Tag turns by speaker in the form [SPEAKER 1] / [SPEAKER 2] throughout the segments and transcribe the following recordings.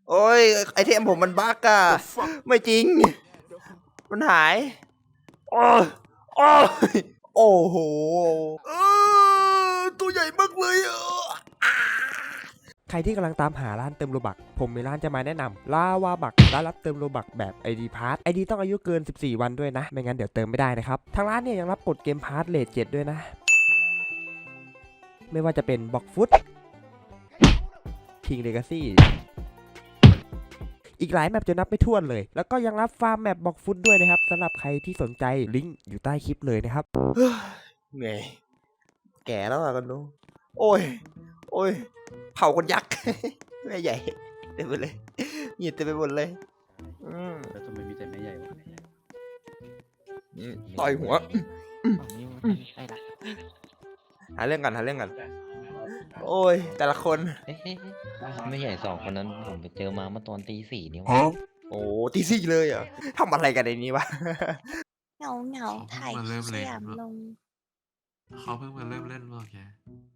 [SPEAKER 1] โอ้ยไอเทมผมมันบั๊กอะไม่จริงมันหายโอ้ยโอ้ยโอ้โหตัวใหญ่มากเลยใครที่กำลังตามหาร้านเติมโลบักผมมีร้านจะมาแนะนำลาวาบักร้านรับเติมโลบักแบบ ID พาร์ท ID ต้องอายุเกิน14วันด้วยนะไม่งั้นเดี๋ยวเติมไม่ได้นะครับทางร้านเนี่ยยังรับกดเกมพาร์ทเลท7ด้วยนะไม่ว่าจะเป็นบ็อกฟุตคิงเลกาซี่อีกหลายแมปจะนับไม่ถ้วนเลยแล้วก็ยังรับฟาร์มแมปบ็อกฟุตด้วยนะครับสำหรับใครที่สนใจลิงก์อยู่ใต้คลิปเลยนะครับเหนื่อยแก่แล้วอะกันดูโอ้ยโอ้ยเผาคนยักษ์แม่ใหญ่เต็มไปเลยหยิบเต็มไปหมดเลย
[SPEAKER 2] แล้วทำไมมีแต่แม่ใหญ่วะ
[SPEAKER 1] ต่อยหัว
[SPEAKER 2] ใช่ละ
[SPEAKER 1] หาเรื่องกันโอ้ยแต่ละคน
[SPEAKER 2] ไม่ใหญ่2 คนนั้นผมไปเจอมาเมื่อตอนตี 4นี่วะ
[SPEAKER 1] โอ้ตีสี่เลยเหรอทำอะไรกันในนี้วะ
[SPEAKER 3] เหงาถ่ายสยามลง
[SPEAKER 4] เขาเพิ่งมาเริ่มเล่นว่าแก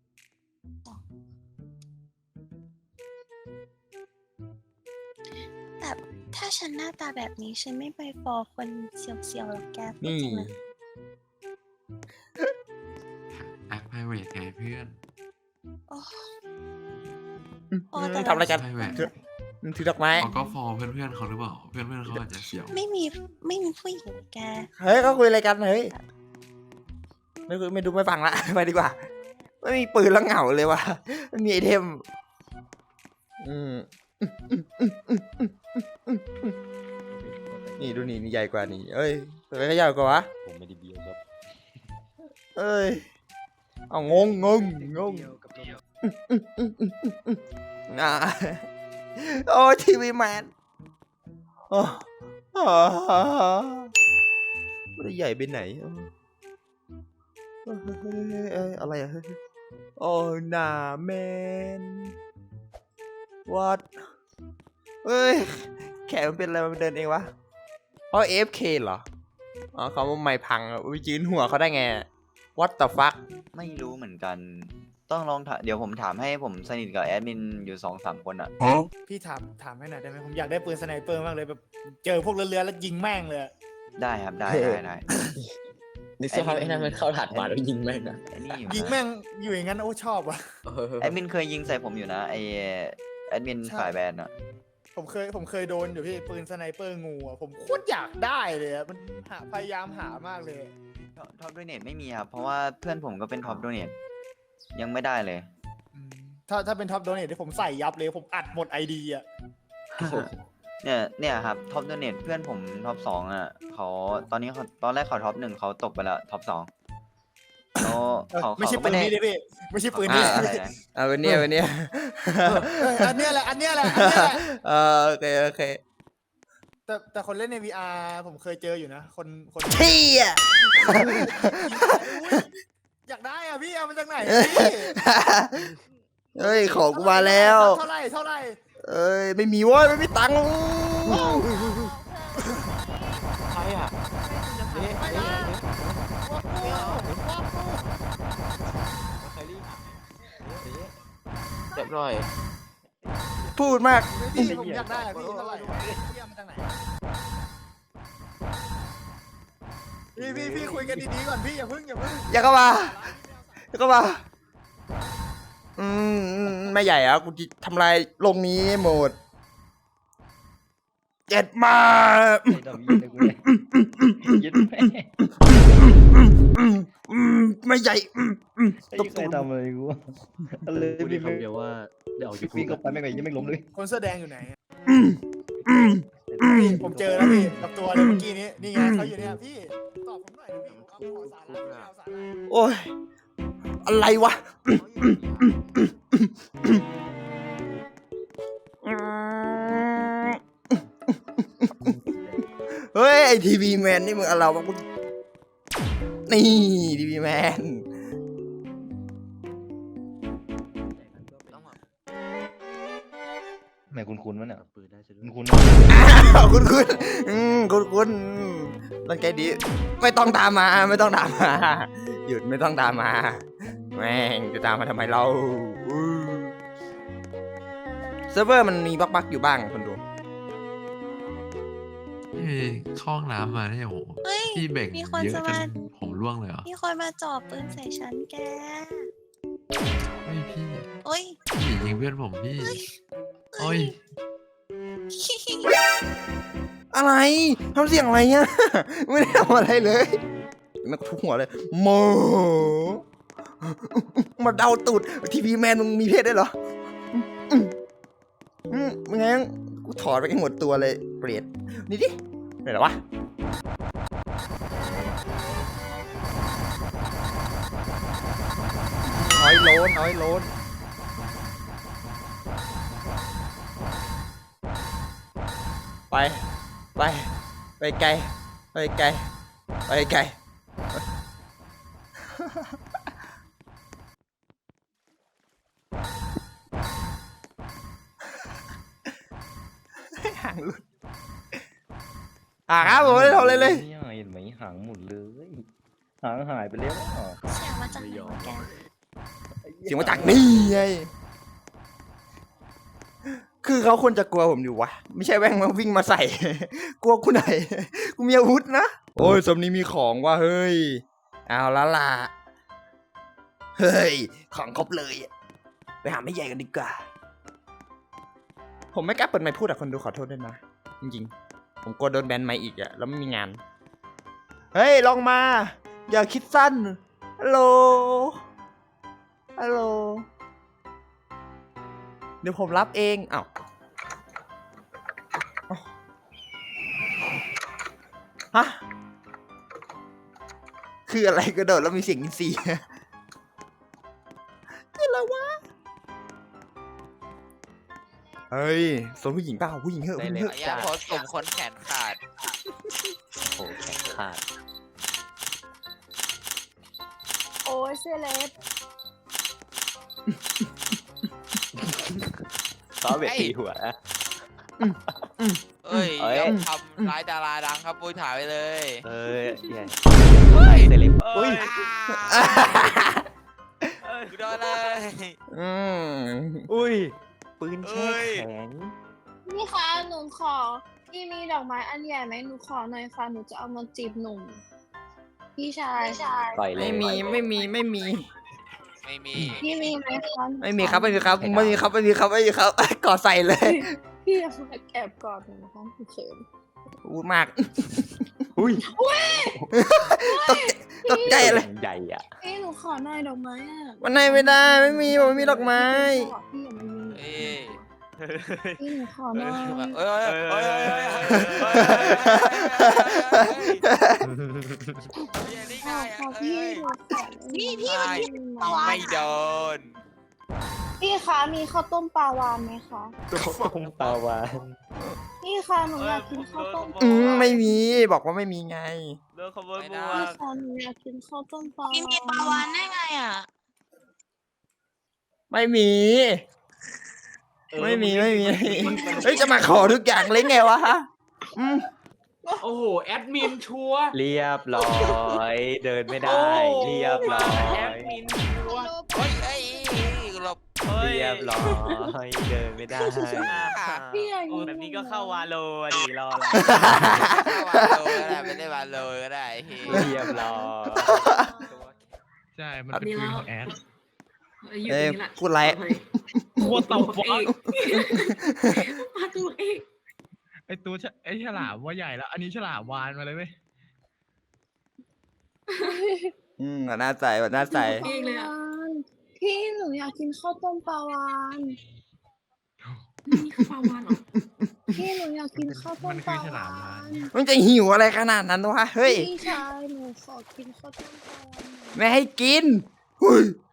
[SPEAKER 3] แต่ถ้าฉันหน้าตาแบบนี้ฉันไม่ไปฟอคนเสียวๆหรอกแกพูด
[SPEAKER 1] นี่
[SPEAKER 3] จริงนะ
[SPEAKER 4] แอคไพรเวทไงเพื่อน
[SPEAKER 3] โอ้พอแต่
[SPEAKER 1] ทำอะไรกัน
[SPEAKER 4] ไพรเวท
[SPEAKER 1] ถือดอกไม้
[SPEAKER 4] เขาก็ฟอร์เพื่อนๆเขาหรือเปล่า เพื่อนๆเขาอาจจะเสียว
[SPEAKER 3] ไม่มีผู้หญิงแก
[SPEAKER 1] เฮ้ยเขาคุยอะไรกันเฮ้ยไม่ดูไม่ฟังละ ไปดีกว่าไม่มีปืนแล้วเหงาเลยว่ะไม่มีไอเทมนี่ดูนี่ใหญ่กว่านี่เอ้ยตัวไหนก็ใหญ่กว่าวะ
[SPEAKER 2] ผมไม่ได้เบียวครับ
[SPEAKER 1] เอ้ยเอางงอ่าโอ้ทีวีแมนไม่ได้ใหญ่ไปไหนอะไรอะโอ้นาแมนวัดเอ้ยแขนมันเป็นอะไรมันเดินเองวะเพราะ AFK เหรออ๋อเขาว่าไม่พังยืนหัวเขาได้ไง What the fuck
[SPEAKER 5] ไม่รู้เหมือนกัน ต้องลองถามเดี๋ยวผมถามให้ผมสนิทกับแอดมินอยู่2-3 คนอ่ะ
[SPEAKER 6] พี่ถามให้หน่อยได้ไหมผมอยากได้ปืนสไนเปอร์มากเลยแบบเจอพวกเรือแล้วยิงแม่งเลย
[SPEAKER 5] ได้ครับได้
[SPEAKER 2] นึกสภาพไอ้นั่นมันเข้าถัดมาแล้วยิงแม่งอะ
[SPEAKER 5] ไอ้นี่อยู่
[SPEAKER 6] ยิง
[SPEAKER 5] นะ
[SPEAKER 6] แม่งอยู่อย่างนั้นโอ้ชอบว่ะ
[SPEAKER 5] แอดมินเคยยิงใส่ผมอยู่นะไอแอดมิน
[SPEAKER 6] ใช่
[SPEAKER 5] ฝ่ายแบนอ่ะ
[SPEAKER 6] ผมเคยโดนอยู่พี่ปืนสไนเปอร์งูอ่ะผมโคตรอยากได้เลยอ่ะมันพยายามหามากเลย
[SPEAKER 5] ท็อปโดเนทไม่มีครับ เพราะว่าเพื่อนผมก็เป็นท็อปโดเนทยังไม่ได้เลย
[SPEAKER 6] อืมถ้าเป็นท็อปโดเนทที่ผมใส่ยับเลยผมอัดหมดไอดีอ่ะ
[SPEAKER 5] เนี่ยครับท็อปโดเนทเพื่อนผมท็อป 2อ่ะเขาตอนนี้เขาตอนแรกเขาท็อป 1เขาตกไปแล้วท็อป 2เขา
[SPEAKER 6] ไม่ใช่
[SPEAKER 5] ก็
[SPEAKER 6] ปืน
[SPEAKER 5] ด้
[SPEAKER 6] นี้ดิพี่ไม่ใช่ปืนนี้
[SPEAKER 5] อะไรนะ
[SPEAKER 1] เอาวันนี้
[SPEAKER 6] อันเนี้ยแหละ
[SPEAKER 1] โอเค
[SPEAKER 6] แต่คนเล่นใน VR ผมเคยเจออยู่นะคน
[SPEAKER 1] เที่ย
[SPEAKER 6] อยากได้อ่ะพี่เอามาจากไหนพี่
[SPEAKER 1] เฮ้ยของกูมาแล้ว
[SPEAKER 6] เท่าไหร่
[SPEAKER 1] เอ้ยไม่มีเว้ยไม่มีตังค์
[SPEAKER 2] ใครอ่ะ เรียบร้อย
[SPEAKER 1] พูดมาก
[SPEAKER 6] พี่ผมอยากได้อะพี่เท่าไหร่พี่เอามาจากไหนพี่คุยกันดีๆก่อนพี่อย่าเพิ่ง
[SPEAKER 1] อย่าเข้ามาไม่ใหญ่อะกูจะทำลายโลกนี้หมดเจ็ดมา
[SPEAKER 2] ไม่ดำยิงเลยกูเลยยิงแม่ง
[SPEAKER 1] ไม่ใหญ่
[SPEAKER 2] ไอ้ใครทำอะไรกูอะไรพี่คำเดียวว่าเดี๋ยววิ่งเข้าไปไม่ไหวยังไม่ล้มเลย
[SPEAKER 6] คนเสื้อแดงอยู่ไหนพี่ผมเจอแล้วพี่กับตัวเลยเมื่อกี้นี้นี่ไงเขาอยู่เนี่ยพี่ตอบผมหน่อยดิพี่เอาขอสาระเอาสาระ
[SPEAKER 1] โอ้ยอะไรวะเฮ้ยไอทีวีแมนนี่มึงอะไรวะมึงนี่ทีวีแมน
[SPEAKER 2] แม่คุณวะเนี่ยปืนได้ใช่ไหมคุณ
[SPEAKER 1] คุณตั้งใจดีไม่ต้องตามมาหยุดไม่ต้องตามมาแม่งจะตามมาทำไมเราเซิร์ฟเวอร์มันมีบั๊กๆอยู่บ้างคนดู
[SPEAKER 4] เฮ้ยเข้าห้องน้ำมาเนี่ยโอ้โห
[SPEAKER 3] เฮ้ย
[SPEAKER 4] พี่เบ่ง
[SPEAKER 3] มีคน
[SPEAKER 4] เยอะ
[SPEAKER 3] จะ
[SPEAKER 4] จ
[SPEAKER 3] มา
[SPEAKER 4] นผมร่วงเลยเหรอ
[SPEAKER 3] มีคนมาจ่อปืนใส่ฉันแก
[SPEAKER 4] เฮ้ยพี่
[SPEAKER 3] โอ้ย
[SPEAKER 4] พี่ยิงเพื่อนผมพี่โอ้ย
[SPEAKER 1] อะไรทำเสียงอะไรเนี่ย ไม่ได้ทำอะไรเลยนักทุกหัวเลยโมมาเดาตูดทีวีแมนมึงมีเพศได้วยเหรอมึงไงกูถอดไปให้หมดตัวเลยเปรตนี่ดิไหนเหรอวะน้อยโลนไปไกลไปไกลห่างหลุดครับผมไม่ได้ทำอะไรเลย
[SPEAKER 2] เนี่ยเห็นไหมหางหมุนเลยหางหายไปแล้วอ่ะ
[SPEAKER 3] เสียงมาจากไหนวะแก
[SPEAKER 1] เสียงมาจากนี่ไงคือเขาควรจะกลัวผมอยู่วะไม่ใช่แว่งมาวิ่งมาใส่ กลัวกูไหนกูมีอาวุธนะโอ้ยสมนี้มีของว่ะเฮ้ยเอาละล่ะเฮ้ยของครบเลยไปหาไม่ใหญ่กันดีกว่าผมไม่กล้าเปิดไมค์พูดอะคนดูขอโทษด้วยนะจริงๆผมกลัวโดนแบนไมค์อีกอะแล้วไม่มีงานเฮ้ยลองมาอย่าคิดสั้นฮัลโหลเดี๋ยวผมรับเองอ้าวฮะคืออะไรกระโดดแล้วมีเสียงอินซีคืออะไรวะเฮ้ยสนผู้หญิงเปล่าผู้หญิงเหอะ
[SPEAKER 2] ได้
[SPEAKER 1] ผู้หญิ
[SPEAKER 2] เล
[SPEAKER 1] ง
[SPEAKER 2] ย
[SPEAKER 1] เหอะ
[SPEAKER 7] อย่าโพสต์กลุ่มคนแขนขาด
[SPEAKER 2] โอ้แขนขาด
[SPEAKER 8] โอ้ยเสื้อเล็บ
[SPEAKER 2] ซ้อเวทีหัวนะ
[SPEAKER 7] เอ้ย
[SPEAKER 2] เอ้ย
[SPEAKER 7] ยอมทำร้ายดาราดังครับปุ้ยถ่ายไปเลย
[SPEAKER 2] เอ้ยใหญ่เซเลบอุ้ย
[SPEAKER 7] กูโดนเลย
[SPEAKER 1] อืม
[SPEAKER 2] อุ้ยปืนแช่แข็ง
[SPEAKER 8] นี่คะหนูขอพี่มีดอกไม้อันใหญ่ไหมหนูขอหน่อยค่ะหนูจะเอามาจีบหนุ่มพี่ชาย
[SPEAKER 2] ปล่อยเลย
[SPEAKER 1] ไม่มี
[SPEAKER 7] ไม่มี
[SPEAKER 8] พี่มีไหมคะ
[SPEAKER 1] ไม่มีครับก่อใส่เลย
[SPEAKER 8] พี่อยากมาแอบกอดหนูนะคะหนูเขิน
[SPEAKER 1] พูดมาก
[SPEAKER 2] อุ้ย
[SPEAKER 1] ตกใจเลย
[SPEAKER 2] ใหญ่อ่ะ
[SPEAKER 8] พี่หนูขอหน่อยดอกไม้อะ
[SPEAKER 1] มันให้ไม่ได้ไม่มีผมไม่มีดอกไม้
[SPEAKER 8] พี่อย่ามายิง
[SPEAKER 7] เอ้ย
[SPEAKER 8] พี่หนูขอหน่อย
[SPEAKER 7] เอ้ยเอ้ยนี่
[SPEAKER 8] ข
[SPEAKER 7] ง่า
[SPEAKER 8] อย ขอ
[SPEAKER 7] เอ้
[SPEAKER 8] พี่
[SPEAKER 7] ย
[SPEAKER 8] หนูขอ
[SPEAKER 3] พี่มัน
[SPEAKER 7] ไม่โดน
[SPEAKER 8] พี่คะมีข้าวต้มปลาวานไหมคะ
[SPEAKER 2] ต้มปลาวาน
[SPEAKER 8] พี่คะหนูอยากกินข้าวต้มปลา
[SPEAKER 1] ไม่มีบอกว่าไม่มีไง
[SPEAKER 7] เลิกขโมยบัว
[SPEAKER 8] พี่คะหนูอยากกินข้าวต้มปลา
[SPEAKER 3] พี่มีปลาวานได้ไงอ่ะ
[SPEAKER 1] ไม่มีเฮ้ยจะมาขอทุกอย่างเลยไงวะอืม
[SPEAKER 9] โอ้โห แอดมินชัวร์
[SPEAKER 2] เรียบร้อยเดินไม่ได้เรียบร้อ
[SPEAKER 9] แอย ดมินชัวร์
[SPEAKER 7] เฮ้ยเอ้ยหลบ
[SPEAKER 2] เรียบร้อยเดินไม่ได้
[SPEAKER 8] พี่อยากกิน
[SPEAKER 9] แบบนี้ก็เข้าวาโลอะดิรออะไร
[SPEAKER 7] วาโลก็ได้ไม่ได้วาโลก็ได้
[SPEAKER 2] เรียบร้อย
[SPEAKER 10] ใช่ มันเป็นปืนของแอด
[SPEAKER 1] เอ้ยพูดไร
[SPEAKER 9] โคตรตบฟอก
[SPEAKER 8] มาตัวเอง
[SPEAKER 10] ไอตัวไอฉลามว่าใหญ่แล้ว อันนี้ฉลามวานมาเลยเว้ย
[SPEAKER 1] น่าใส่น่าใส่
[SPEAKER 8] เองเลยอ่ะพี่หนูอยากกินข้าวต้มปลาวาน
[SPEAKER 9] นี่คือปลาวานเหรอ
[SPEAKER 8] พี่หนูอยากกินข้าวต้
[SPEAKER 10] มั
[SPEAKER 8] ม
[SPEAKER 10] น
[SPEAKER 8] ป
[SPEAKER 10] คื
[SPEAKER 8] ลา
[SPEAKER 10] อฉลาว
[SPEAKER 8] าม
[SPEAKER 10] วาน
[SPEAKER 8] น
[SPEAKER 1] มันจะหิวอะไรขนาดนั้นวะเฮ้ย
[SPEAKER 8] พี่ชายหนูขอกินข้าวต้มปลาวานหน่อย
[SPEAKER 1] ไม่ให้กินเฮ้ย